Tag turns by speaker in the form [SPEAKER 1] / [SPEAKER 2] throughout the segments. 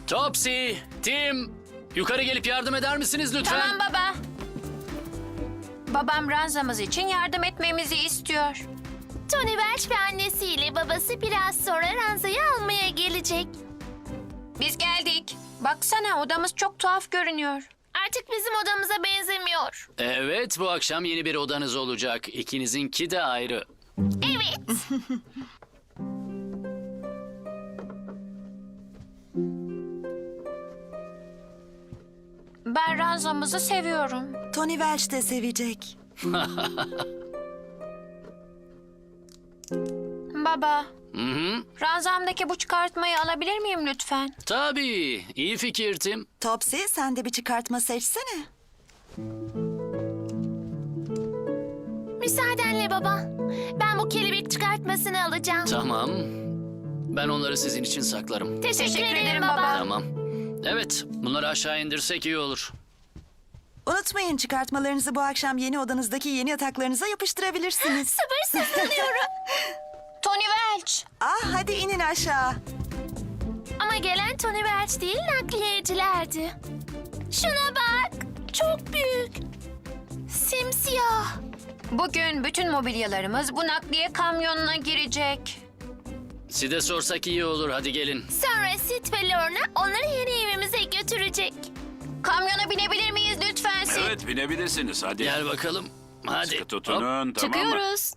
[SPEAKER 1] Topsy, Tim, yukarı gelip yardım eder misiniz lütfen?
[SPEAKER 2] Tamam baba. Babam ranzamız için yardım etmemizi istiyor.
[SPEAKER 3] Tony Welch ve annesiyle babası biraz sonra ranzayı almaya gelecek.
[SPEAKER 2] Biz geldik. Baksana odamız çok tuhaf görünüyor.
[SPEAKER 3] Artık bizim odamıza benzemiyor.
[SPEAKER 1] Evet, bu akşam yeni bir odanız olacak. İkinizinki de ayrı.
[SPEAKER 3] Evet.
[SPEAKER 2] Ben ranzamızı seviyorum.
[SPEAKER 4] Tony Welch de sevecek.
[SPEAKER 2] Baba,
[SPEAKER 1] Hı hı.
[SPEAKER 2] ranzamdaki bu çıkartmayı alabilir miyim lütfen?
[SPEAKER 1] Tabii, iyi fikir Tim.
[SPEAKER 4] Topsy, sen de bir çıkartma seçsene.
[SPEAKER 3] Müsaadenle baba. Ben bu kelebek çıkartmasını alacağım.
[SPEAKER 1] Tamam. Ben onları sizin için saklarım.
[SPEAKER 3] Teşekkür ederim
[SPEAKER 2] ederim
[SPEAKER 3] baba.
[SPEAKER 2] baba.
[SPEAKER 1] Tamam. Evet, bunları aşağı indirsek iyi olur.
[SPEAKER 4] Unutmayın, çıkartmalarınızı bu akşam yeni odanızdaki yeni yataklarınıza yapıştırabilirsiniz.
[SPEAKER 3] Sabırsızlanıyorum.
[SPEAKER 2] Tony Welch.
[SPEAKER 4] Hadi inin aşağı.
[SPEAKER 3] Ama gelen Tony Welch değil, nakliyecilerdi. Şuna bak. Çok büyük. Simsiyah.
[SPEAKER 2] Bugün bütün mobilyalarımız bu nakliye kamyonuna girecek.
[SPEAKER 1] Size sorsak iyi olur, hadi gelin.
[SPEAKER 3] Sonra Sid ve Lorna onları yeni evimize götürecek.
[SPEAKER 2] Kamyona binebilir miyiz lütfen Sid?
[SPEAKER 5] Evet binebilirsiniz hadi.
[SPEAKER 1] Gel bakalım. Hadi.
[SPEAKER 5] Sıkı tutunun tamam mı?
[SPEAKER 3] Çıkıyoruz.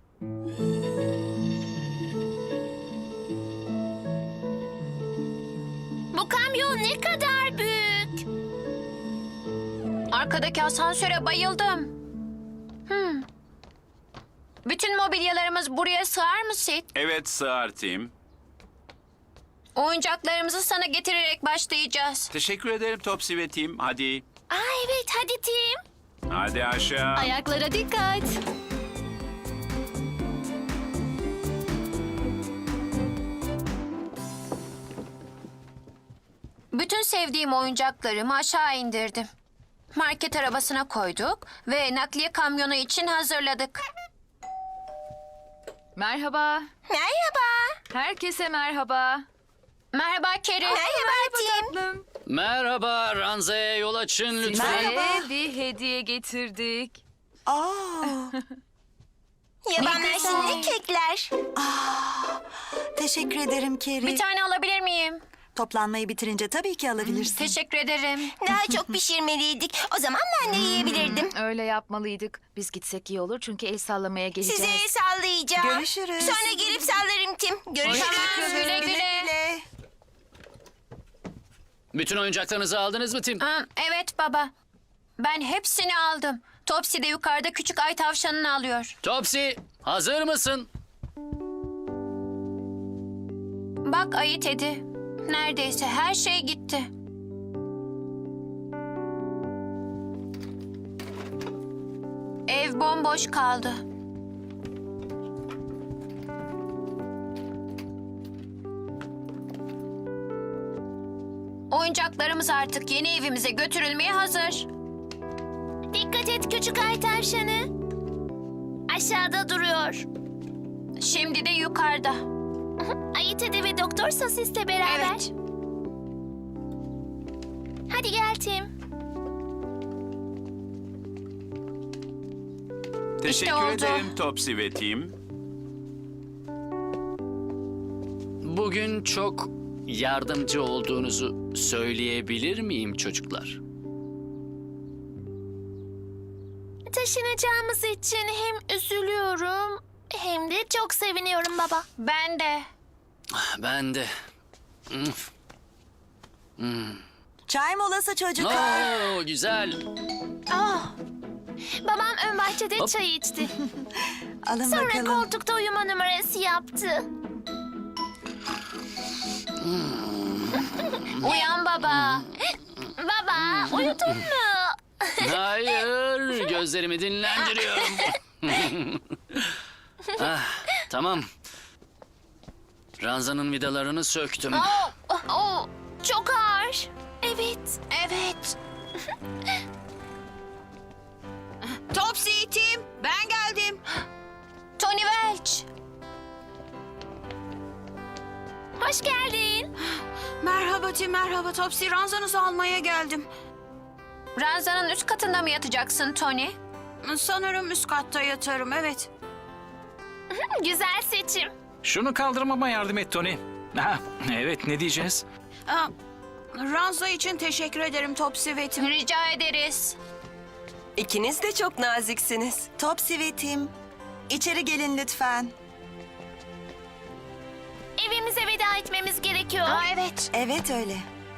[SPEAKER 3] Bu kamyon ne kadar büyük.
[SPEAKER 2] Arkadaki asansöre bayıldım. Bütün mobilyalarımız buraya sığar mı Sid?
[SPEAKER 5] Evet sığar Tim.
[SPEAKER 2] Oyuncaklarımızı sana getirerek başlayacağız.
[SPEAKER 5] Teşekkür ederim Topsy ve Tim. Hadi.
[SPEAKER 3] Evet hadi Tim.
[SPEAKER 5] Hadi aşağı.
[SPEAKER 3] Ayaklara dikkat.
[SPEAKER 2] Bütün sevdiğim oyuncaklarımı aşağı indirdim. Market arabasına koyduk ve nakliye kamyonu için hazırladık.
[SPEAKER 6] Merhaba.
[SPEAKER 3] Merhaba.
[SPEAKER 6] Herkese merhaba.
[SPEAKER 2] Merhaba Keri.
[SPEAKER 3] Merhaba Tim.
[SPEAKER 6] Tatlım.
[SPEAKER 1] Merhaba, ranzaya yol açın lütfen.
[SPEAKER 6] Size bir hediye getirdik.
[SPEAKER 3] Yaban
[SPEAKER 2] Ne güzel.
[SPEAKER 3] mersinli kekler.
[SPEAKER 4] Teşekkür ederim Carrie.
[SPEAKER 2] Bir tane alabilir miyim?
[SPEAKER 4] Toplanmayı bitirince tabii ki alabilirsin.
[SPEAKER 2] Teşekkür ederim.
[SPEAKER 3] Daha çok pişirmeliydik. O zaman ben de yiyebilirdim.
[SPEAKER 6] Öyle yapmalıydık. Biz gitsek iyi olur çünkü el sallamaya geleceğiz.
[SPEAKER 3] Size el sallayacağım.
[SPEAKER 4] Görüşürüz.
[SPEAKER 3] Sonra gelip sallarım Tim. Görüşürüz.
[SPEAKER 2] Tamam, güle güle.
[SPEAKER 1] Bütün oyuncaklarınızı aldınız mı Tim?
[SPEAKER 2] Evet baba. Ben hepsini aldım. Topsy de yukarıda küçük ay tavşanını alıyor.
[SPEAKER 1] Topsy, hazır mısın?
[SPEAKER 2] Bak ayı Teddy. Neredeyse her şey gitti. Ev bomboş kaldı. Oyuncaklarımız artık yeni evimize götürülmeye hazır.
[SPEAKER 3] Dikkat et küçük ay tavşanı. Aşağıda duruyor.
[SPEAKER 2] Şimdi de yukarıda.
[SPEAKER 3] Ayı Teddy ve Doktor Sosis'le beraber.
[SPEAKER 2] Evet.
[SPEAKER 3] Hadi gel Tim.
[SPEAKER 5] Teşekkür
[SPEAKER 2] oldu.
[SPEAKER 5] ederim Topsy ve Tim.
[SPEAKER 1] Bugün çok yardımcı olduğunuzu söyleyebilir miyim çocuklar?
[SPEAKER 3] Taşınacağımız için hem üzülüyorum hem de çok seviniyorum baba.
[SPEAKER 2] Ben de.
[SPEAKER 1] Ben de.
[SPEAKER 4] Çay molası çocuklar.
[SPEAKER 1] Oo, güzel.
[SPEAKER 3] Babam ön bahçede
[SPEAKER 1] Hop.
[SPEAKER 3] çay içti.
[SPEAKER 4] Alın
[SPEAKER 3] Sonra
[SPEAKER 4] bakalım.
[SPEAKER 3] koltukta uyuma numarası yaptı.
[SPEAKER 2] Uyan baba.
[SPEAKER 3] Baba uyudun mu?
[SPEAKER 1] Hayır, gözlerimi dinlendiriyorum. Tamam. Ranzanın vidalarını söktüm.
[SPEAKER 3] Çok ağır. Evet.
[SPEAKER 2] Evet.
[SPEAKER 7] Topsy, Tim, ben geldim.
[SPEAKER 2] Tony Welch.
[SPEAKER 3] Hoş geldin.
[SPEAKER 7] Merhaba. Merhaba Tim, merhaba Topsy. Ranzanızı almaya geldim.
[SPEAKER 2] Ranzanın üst katında mı yatacaksın Tony?
[SPEAKER 7] Sanırım üst katta yatarım, evet.
[SPEAKER 3] Güzel seçim.
[SPEAKER 8] Şunu kaldırmama yardım et Tony. Ha, evet ne diyeceğiz?
[SPEAKER 7] Aa, ranza için teşekkür ederim Topsy ve Tim.
[SPEAKER 2] Rica ederiz.
[SPEAKER 9] İkiniz de çok naziksiniz.
[SPEAKER 4] Topsy ve Tim, içeri gelin lütfen.
[SPEAKER 3] Evimize veda etmemiz gerekiyor.
[SPEAKER 2] Aa, evet.
[SPEAKER 4] Evet öyle.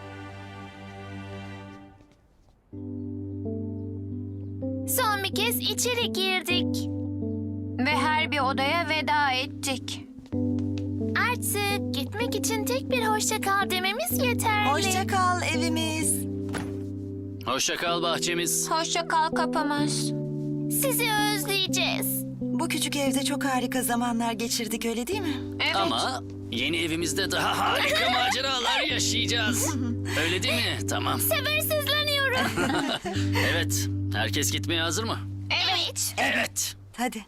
[SPEAKER 3] Son bir kez içeri girdik.
[SPEAKER 2] Ve her bir odaya veda ettik.
[SPEAKER 3] Artık gitmek için tek bir hoşça kal dememiz yeterli.
[SPEAKER 4] Hoşça kal evimiz.
[SPEAKER 1] Hoşça kal bahçemiz.
[SPEAKER 2] Hoşça kal kapımız.
[SPEAKER 3] Sizi özleyeceğiz.
[SPEAKER 4] Bu küçük evde çok harika zamanlar geçirdik, öyle değil mi?
[SPEAKER 2] Evet.
[SPEAKER 1] Ama yeni evimizde daha harika maceralar yaşayacağız. Öyle değil mi? Tamam.
[SPEAKER 3] Sabırsızlanıyorum.
[SPEAKER 1] Evet. Herkes gitmeye hazır mı?
[SPEAKER 3] Evet.
[SPEAKER 1] Evet.
[SPEAKER 4] Hadi.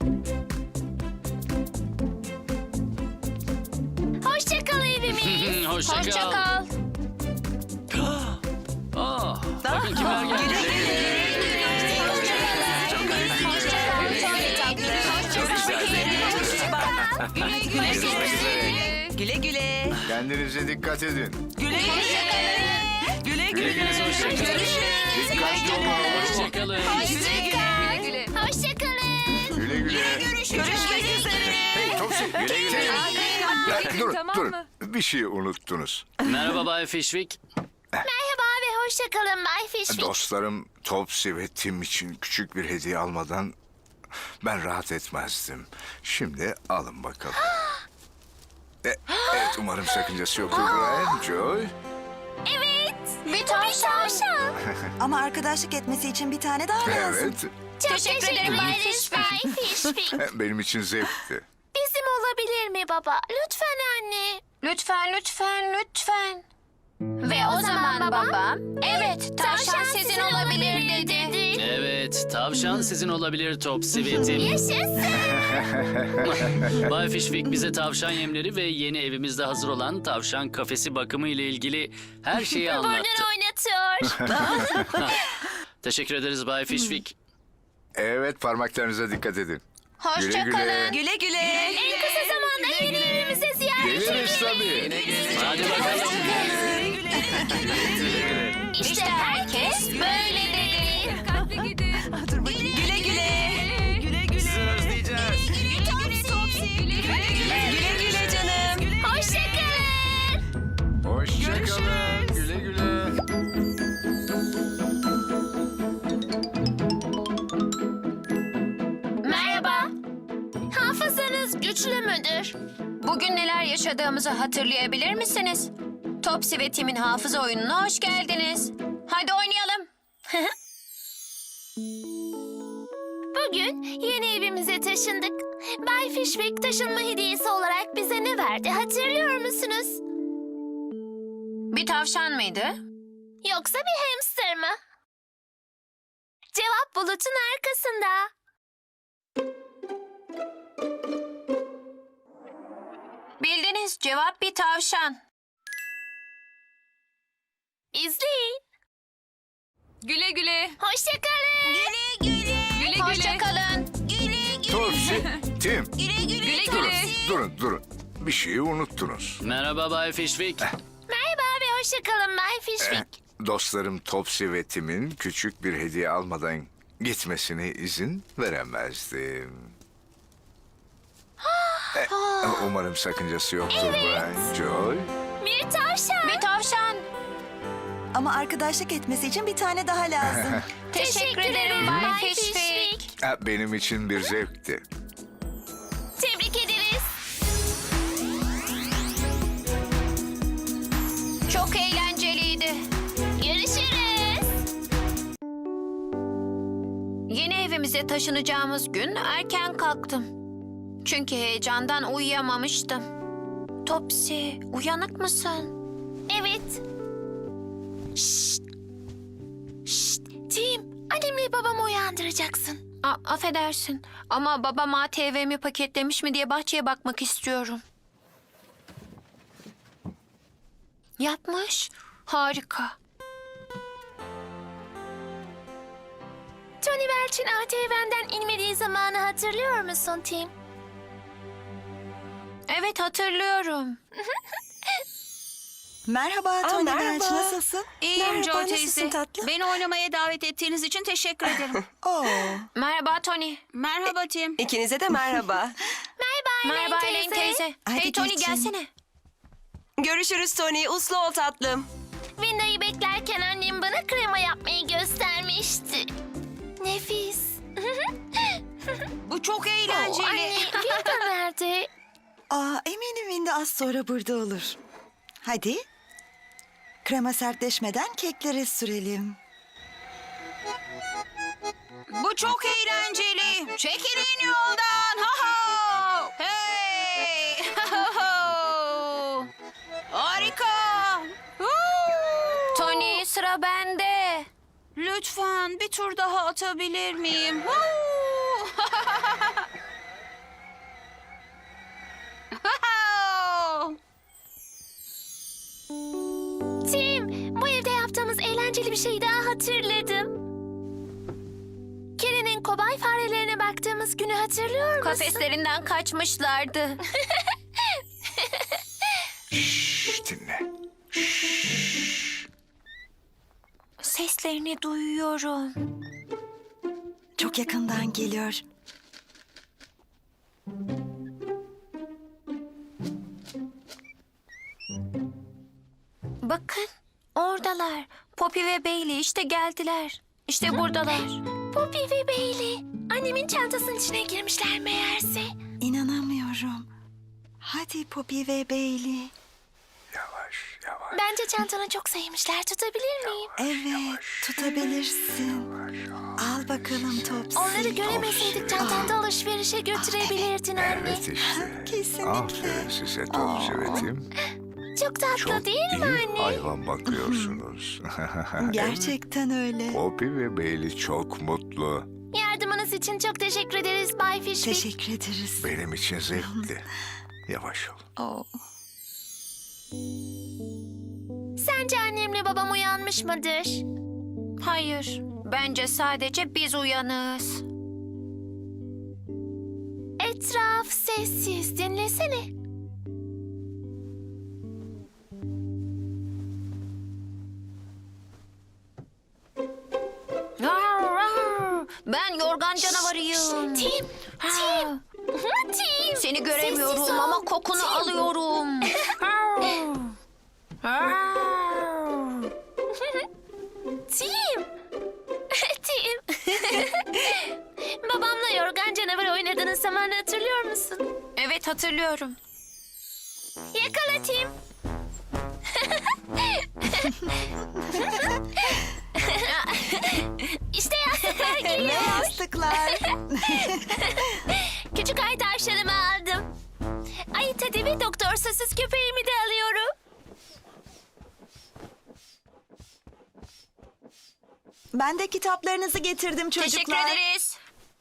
[SPEAKER 3] Hoşça kal evimiz.
[SPEAKER 1] Hoşça
[SPEAKER 2] Hoşça
[SPEAKER 1] kal.
[SPEAKER 2] kal.
[SPEAKER 1] Bakın kimler geldi.
[SPEAKER 9] Güle güle.
[SPEAKER 10] Kendinize dikkat edin.
[SPEAKER 9] Güle güle.
[SPEAKER 1] Hoşça kalın.
[SPEAKER 10] Dikkatli olun.
[SPEAKER 1] Hoşça kalın.
[SPEAKER 3] Hoşça kalın.
[SPEAKER 10] Güle güle.
[SPEAKER 9] Görüşmek üzere.
[SPEAKER 10] Hey Topsy. Güle güle. Ya, durun. Bir şey unuttunuz.
[SPEAKER 1] Merhaba Bay Fishwick.
[SPEAKER 3] Merhaba ve hoşça kalın Bay Fishwick.
[SPEAKER 10] Dostlarım Topsy ve Tim için küçük bir hediye almadan ben rahat etmezdim. Şimdi alın bakalım. Evet, umarım sakıncası yoktur Brian, Joy.
[SPEAKER 3] Evet.
[SPEAKER 2] Bir tavşan.
[SPEAKER 4] Ama arkadaşlık etmesi için bir tane daha lazım.
[SPEAKER 10] Evet,
[SPEAKER 3] Çok
[SPEAKER 2] Teşekkür ederim Bay
[SPEAKER 3] ederiz Bay Fishwick.
[SPEAKER 10] benim için zevkti.
[SPEAKER 3] Bizim olabilir mi baba? Lütfen anne.
[SPEAKER 2] Lütfen. Ve o zaman babam, evet tavşan sizin olabilir dedi.
[SPEAKER 1] Evet, tavşan sizin olabilir Topsy ve Tim.
[SPEAKER 3] Yaşasın.
[SPEAKER 1] Bay Fishwick bize tavşan yemleri ve yeni evimizde hazır olan tavşan kafesi bakımı ile ilgili her şeyi anlattı.
[SPEAKER 3] Burnunu oynatıyor.
[SPEAKER 1] Teşekkür ederiz Bay Fishwick.
[SPEAKER 10] Evet, parmaklarınıza dikkat edin.
[SPEAKER 2] Hoşça kalın.
[SPEAKER 9] Güle güle.
[SPEAKER 3] En kısa zamanda yeni evimize ziyaret
[SPEAKER 10] Geliriz tabii.
[SPEAKER 1] Hadi bakalım.
[SPEAKER 2] İşte herkes böyle dedi.
[SPEAKER 9] Güle güle.
[SPEAKER 8] Sizi özleyeceğiz.
[SPEAKER 9] Güle güle canım.
[SPEAKER 3] Hoşça kalın.
[SPEAKER 10] Hoşça kalın. Güle güle.
[SPEAKER 3] Merhaba. Hafızanız güçlü müdür?
[SPEAKER 2] Bugün neler yaşadığımızı hatırlayabilir misiniz? Topsy ve Tim'in hafıza oyununa hoş geldiniz. Hadi oynayalım.
[SPEAKER 3] Bugün yeni evimize taşındık. Bay Fishwick taşınma hediyesi olarak bize ne verdi hatırlıyor musunuz?
[SPEAKER 2] Bir tavşan mıydı?
[SPEAKER 3] Yoksa bir hamster mı? Cevap bulutun arkasında.
[SPEAKER 2] Bildiniz, cevap bir tavşan.
[SPEAKER 3] İzleyin.
[SPEAKER 6] Güle güle.
[SPEAKER 3] Hoşça kalın.
[SPEAKER 2] Hoşça kalın.
[SPEAKER 10] Topsy, Tim.
[SPEAKER 6] Güle
[SPEAKER 10] Durun. Bir şeyi unuttunuz.
[SPEAKER 1] Merhaba Bay Fishwick.
[SPEAKER 3] Merhaba ve hoşça kalın Bay Fishwick.
[SPEAKER 10] Dostlarım Topsy ve Tim'in küçük bir hediye almadan gitmesine izin veremezdim. Umarım sakıncası yoktur Brian, Joy.
[SPEAKER 3] Bir tavşan.
[SPEAKER 2] Bir tavşan.
[SPEAKER 4] Ama arkadaşlık etmesi için bir tane daha lazım.
[SPEAKER 2] Teşekkür ederim Bay Fishwick.
[SPEAKER 10] Benim için bir zevkti.
[SPEAKER 3] Tebrik ederiz.
[SPEAKER 2] Çok eğlenceliydi.
[SPEAKER 3] Görüşürüz.
[SPEAKER 2] Yeni evimize taşınacağımız gün erken kalktım. Çünkü heyecandan uyuyamamıştım. Topsy, uyanık mısın?
[SPEAKER 3] Evet. Şşt. Tim, annemle babamı uyandıracaksın.
[SPEAKER 2] Affedersin ama babam ATV'mi paketlemiş mi diye bahçeye bakmak istiyorum. Yapmış. Harika.
[SPEAKER 3] Tony Welch'in ATV'den inmediği zamanı hatırlıyor musun Tim?
[SPEAKER 2] Evet, hatırlıyorum.
[SPEAKER 4] Merhaba Tony
[SPEAKER 9] merhaba.
[SPEAKER 4] Welch, nasılsın?
[SPEAKER 7] İyiyim
[SPEAKER 9] Merhaba,
[SPEAKER 7] Joe
[SPEAKER 9] nasılsın
[SPEAKER 7] teyze.
[SPEAKER 9] tatlım?
[SPEAKER 7] Beni oynamaya davet ettiğiniz için teşekkür ederim.
[SPEAKER 4] Oo,
[SPEAKER 2] Merhaba Tony.
[SPEAKER 7] Merhaba Tim.
[SPEAKER 9] İkinize de merhaba.
[SPEAKER 2] Merhaba Elaine teyze.
[SPEAKER 4] Hadi
[SPEAKER 2] Hey Tony,
[SPEAKER 4] geçin.
[SPEAKER 2] gelsene.
[SPEAKER 9] Görüşürüz Tony. Uslu ol tatlım.
[SPEAKER 3] Winda'yı beklerken annem bana krema yapmayı göstermişti. Nefis.
[SPEAKER 7] Bu çok
[SPEAKER 3] Oo,
[SPEAKER 7] eğlenceli.
[SPEAKER 3] anne, Winda nerede?
[SPEAKER 4] eminim Windy az sonra burada olur. Hadi. Krema sertleşmeden keklere sürelim.
[SPEAKER 7] Bu çok eğlenceli. Çekilin yoldan. Ha ha. Hey. Ha ha. Harika. Huu.
[SPEAKER 2] Tony, sıra bende.
[SPEAKER 7] Lütfen bir tur daha atabilir miyim? Huu.
[SPEAKER 3] Tim, bu evde yaptığımız eğlenceli bir şey daha hatırladım. Keren'in kobay farelerine baktığımız günü hatırlıyor musun?
[SPEAKER 2] Kafeslerinden kaçmışlardı.
[SPEAKER 10] Şşş, dinle.
[SPEAKER 2] Seslerini duyuyorum.
[SPEAKER 4] Çok yakından geliyor.
[SPEAKER 2] Bakın, oradalar. Poppy ve Bailey işte geldiler. İşte buradalar.
[SPEAKER 3] Poppy ve Bailey. Annemin çantasının içine girmişler meğerse.
[SPEAKER 4] İnanamıyorum. Hadi Poppy ve Bailey.
[SPEAKER 10] Yavaş, yavaş.
[SPEAKER 3] Bence çantanı çok sevmişler. Tutabilir miyim?
[SPEAKER 4] Evet, tutabilirsin. Al bakalım Topsy.
[SPEAKER 3] Onları göremeseydik çantanda alışverişe götürebilirdin anne.
[SPEAKER 10] Evet işte.
[SPEAKER 4] Kesinlikle.
[SPEAKER 10] Aferin size Topsy ve Tim.
[SPEAKER 3] Çok tatlı
[SPEAKER 10] Çok
[SPEAKER 3] değil mi
[SPEAKER 10] iyi
[SPEAKER 3] anne?
[SPEAKER 10] hayvan bakıyorsunuz.
[SPEAKER 4] Gerçekten öyle.
[SPEAKER 10] Poppy ve Bailey çok mutlu.
[SPEAKER 3] Yardımınız için çok teşekkür ederiz Bay Fishwick.
[SPEAKER 4] Teşekkür ederiz.
[SPEAKER 10] Benim için zevkli. Yavaş ol.
[SPEAKER 4] Oo.
[SPEAKER 3] Sence annemle babam uyanmış mıdır?
[SPEAKER 2] Hayır, bence sadece biz uyanığız.
[SPEAKER 3] Etraf sessiz. Dinlesene.
[SPEAKER 2] Ben yorgan canavarıyım.
[SPEAKER 3] Tim,
[SPEAKER 2] Ha,
[SPEAKER 3] Tim.
[SPEAKER 2] Seni
[SPEAKER 3] Sessiz
[SPEAKER 2] göremiyorum
[SPEAKER 3] ol.
[SPEAKER 2] ama kokunu
[SPEAKER 3] Tim.
[SPEAKER 2] alıyorum.
[SPEAKER 3] Tim. Tim. Babamla yorgan canavar oynadığınız zamanı hatırlıyor musun?
[SPEAKER 2] Evet, hatırlıyorum.
[SPEAKER 3] Yakala Tim. İşte yastıklar
[SPEAKER 4] Ne
[SPEAKER 3] geliyor.
[SPEAKER 4] yastıklar.
[SPEAKER 3] Küçük ay tavşanımı aldım. Ay Teddy ve Doktor Sosuz köpeğimi de alıyorum.
[SPEAKER 4] Ben de kitaplarınızı getirdim çocuklar.
[SPEAKER 2] Teşekkür ederiz.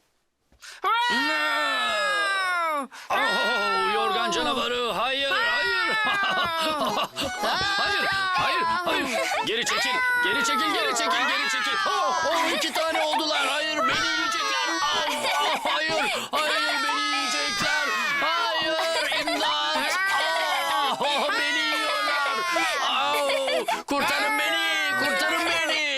[SPEAKER 1] Oh, yorgan canavarı. Hayır, hayır. hayır, hayır, hayır. Geri çekil, geri çekil, geri çekil, geri çekil. İki tane oldular. Hayır, beni yiyecekler. Hayır, hayır, beni yiyecekler. Hayır, imdat. Beni yiyorlar. Kurtarın beni, kurtarın beni.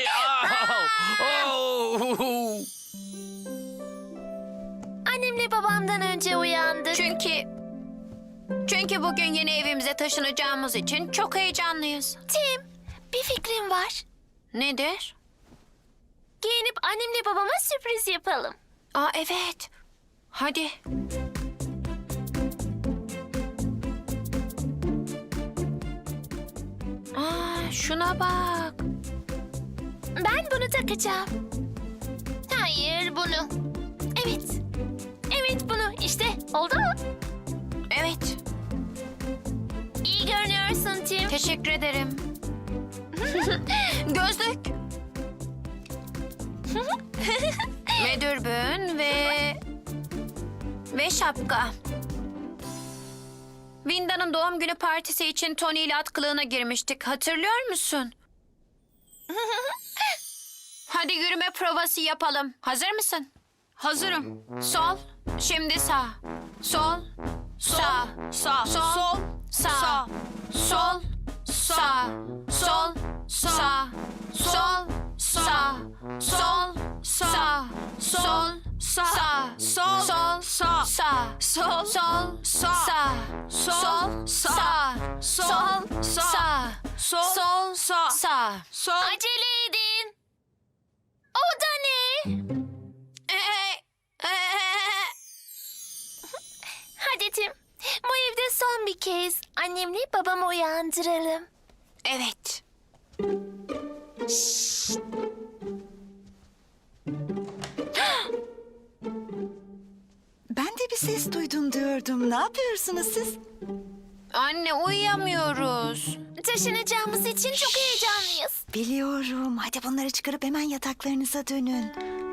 [SPEAKER 3] Annemle babamdan önce uyandık.
[SPEAKER 2] Çünkü bugün yeni evimize taşınacağımız için çok heyecanlıyız.
[SPEAKER 3] Tim, bir fikrim var.
[SPEAKER 2] Nedir?
[SPEAKER 3] Giyinip annemle babama sürpriz yapalım.
[SPEAKER 2] Aa, evet. Hadi. Şuna bak.
[SPEAKER 3] Ben bunu takacağım. Hayır, bunu. Evet. Evet, bunu. İşte, oldu mu?
[SPEAKER 2] Evet.
[SPEAKER 3] İyi görünüyorsun Tim.
[SPEAKER 2] Teşekkür ederim. Gözlük. Ve dürbün ve şapka. Vinda'nın doğum günü partisi için Tony ile at kılığına girmiştik. Hatırlıyor musun? Hadi yürüme provası yapalım. Hazır mısın?
[SPEAKER 7] Hazırım.
[SPEAKER 2] Sol, şimdi sağ. Sol, sağ.
[SPEAKER 7] Sağ.
[SPEAKER 2] Sol,
[SPEAKER 7] Sol.
[SPEAKER 2] sağ. Sol, sağ. Sol, sağ. Sol, sağ. Sol, sağ. Sol, sağ.
[SPEAKER 7] Sol.
[SPEAKER 2] Sol,
[SPEAKER 7] Sağ.
[SPEAKER 2] sağ.
[SPEAKER 7] Sol.
[SPEAKER 2] Sol,
[SPEAKER 7] Sağ.
[SPEAKER 2] sağ.
[SPEAKER 7] Sol.
[SPEAKER 2] Sol,
[SPEAKER 7] Sağ.
[SPEAKER 2] sağ.
[SPEAKER 7] Sol.
[SPEAKER 2] Sol,
[SPEAKER 7] Sağ.
[SPEAKER 2] sağ.
[SPEAKER 7] Sol.
[SPEAKER 2] Sol,
[SPEAKER 7] Sağ.
[SPEAKER 2] sağ.
[SPEAKER 7] Sol.
[SPEAKER 3] Acele edin. O da ne? Hadi Tim. Bu evde son bir kez annemle babamı uyandıralım.
[SPEAKER 2] Evet.
[SPEAKER 4] Ben de bir ses duydum diyordum. Ne yapıyorsunuz siz?
[SPEAKER 2] Anne uyuyamıyoruz.
[SPEAKER 3] Taşınacağımız için çok heyecanlıyız.
[SPEAKER 4] Biliyorum. Hadi bunları çıkarıp hemen yataklarınıza dönün.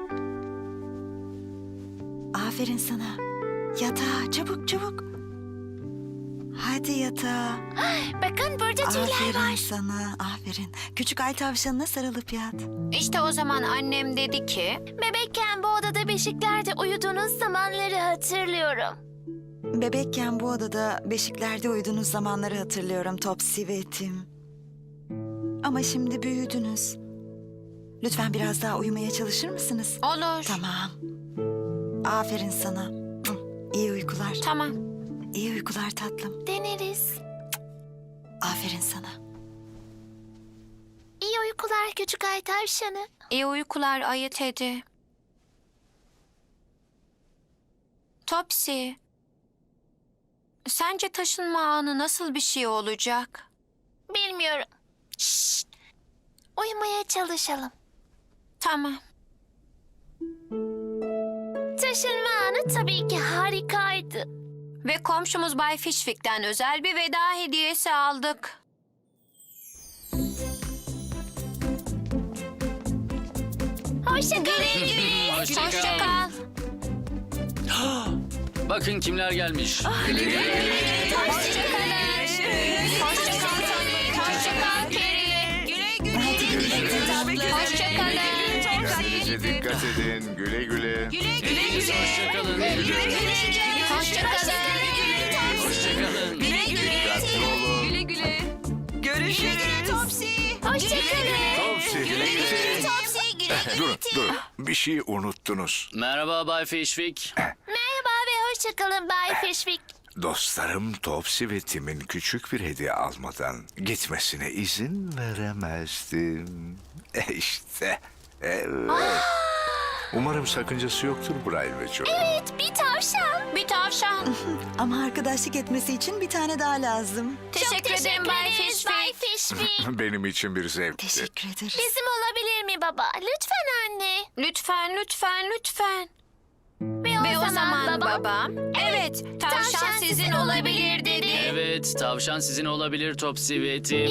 [SPEAKER 4] Aferin sana. Yatağa çabuk çabuk. Hadi yatağa.
[SPEAKER 3] Bakın burada tüyler
[SPEAKER 4] Aferin
[SPEAKER 3] var.
[SPEAKER 4] sana. Aferin. Küçük ay tavşanına sarılıp yat.
[SPEAKER 2] İşte o zaman annem dedi ki...
[SPEAKER 3] Bebekken bu odada beşiklerde uyuduğunuz zamanları hatırlıyorum.
[SPEAKER 4] Bebekken bu odada beşiklerde uyuduğunuz zamanları hatırlıyorum Topsy ve Tim. Ama şimdi büyüdünüz. Lütfen biraz daha uyumaya çalışır mısınız?
[SPEAKER 2] Olur.
[SPEAKER 4] Tamam. Aferin sana. İyi uykular.
[SPEAKER 2] Tamam.
[SPEAKER 4] İyi uykular tatlım.
[SPEAKER 3] Deneriz.
[SPEAKER 4] Aferin sana.
[SPEAKER 3] İyi uykular küçük ay tavşanı.
[SPEAKER 2] İyi uykular ayı Teddy. Topsy. Sence taşınma anı nasıl bir şey olacak?
[SPEAKER 3] Bilmiyorum. Şşt. Uyumaya çalışalım.
[SPEAKER 2] Tamam.
[SPEAKER 3] Taşınma anı tabii ki harikaydı.
[SPEAKER 2] Ve komşumuz Bay Fishwick'ten özel bir veda hediyesi aldık.
[SPEAKER 3] Hoşça kalın.
[SPEAKER 1] Hoşça
[SPEAKER 2] Hoşça
[SPEAKER 1] kal.
[SPEAKER 2] kal.
[SPEAKER 1] Bakın kimler gelmiş.
[SPEAKER 2] Hoşça kalın. Hoşça kal Tony. Hoşça kal Carrie.
[SPEAKER 7] Güle güle.
[SPEAKER 2] Hoşça kalın.
[SPEAKER 10] Kendinize dikkat edin. Güle güle.
[SPEAKER 7] Güle güle.
[SPEAKER 1] Hoşçakalın.
[SPEAKER 2] Hoşça kalın.
[SPEAKER 1] Hoşçakalın.
[SPEAKER 10] Dikkatli olun.
[SPEAKER 7] Güle güle. Görüşürüz. Topsy.
[SPEAKER 3] Hoşça kalın.
[SPEAKER 10] Topsy güle güle.
[SPEAKER 3] Topsy güle
[SPEAKER 10] Durun. Bir şey unuttunuz.
[SPEAKER 1] Merhaba Bay Fishwick.
[SPEAKER 3] Merhaba ve hoşça kalın Bay Fishwick.
[SPEAKER 10] Dostlarım Topsy ve Tim'in küçük bir hediye almadan gitmesine izin veremezdim. İşte. Evet. Umarım sakıncası yoktur Brian ve Joe.
[SPEAKER 3] Evet, bir tavşan.
[SPEAKER 2] Bir tavşan.
[SPEAKER 4] Ama arkadaşlık etmesi için bir tane daha lazım.
[SPEAKER 2] Teşekkür ederim Bay
[SPEAKER 3] ederiz Bay
[SPEAKER 2] Fishwick.
[SPEAKER 3] Fishwick.
[SPEAKER 10] Benim için bir zevkti.
[SPEAKER 4] Teşekkür ederiz.
[SPEAKER 3] Bizim olabilir mi baba? Lütfen anne.
[SPEAKER 2] Lütfen, lütfen, lütfen.
[SPEAKER 3] Ve
[SPEAKER 2] O zaman babam, evet, tavşan sizin olabilir dedi.
[SPEAKER 1] Evet, tavşan sizin olabilir Topsy ve Tim.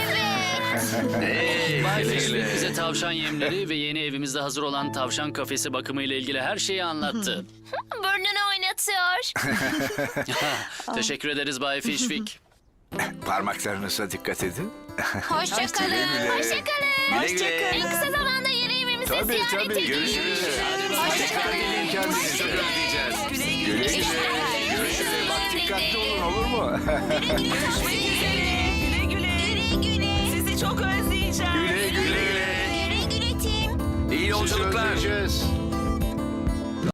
[SPEAKER 3] Evet.
[SPEAKER 1] Bay Fishwick bize tavşan yemleri ve yeni evimizde hazır olan tavşan kafesi bakımıyla ilgili her şeyi anlattı.
[SPEAKER 3] Burnunu oynatıyor.
[SPEAKER 1] Teşekkür ederiz Bay Fishwick.
[SPEAKER 10] Parmaklarınıza dikkat edin.
[SPEAKER 2] Hoşça kalın.
[SPEAKER 3] Hoşça kalın.
[SPEAKER 10] Güle güle.
[SPEAKER 3] En kısa zamanda yeni evimizi ziyaret edin.
[SPEAKER 10] Görüşürüz.
[SPEAKER 1] Hoşçakalın.
[SPEAKER 10] Kendinize çok özleyeceğiz. Güle güle. Görüşürüz. Bak dikkatli olun olur mu?
[SPEAKER 7] Güle güle. Sizi çok özleyeceğim.
[SPEAKER 10] Güle güle.
[SPEAKER 3] Güle güle Tim.
[SPEAKER 10] İyi yolculuklar.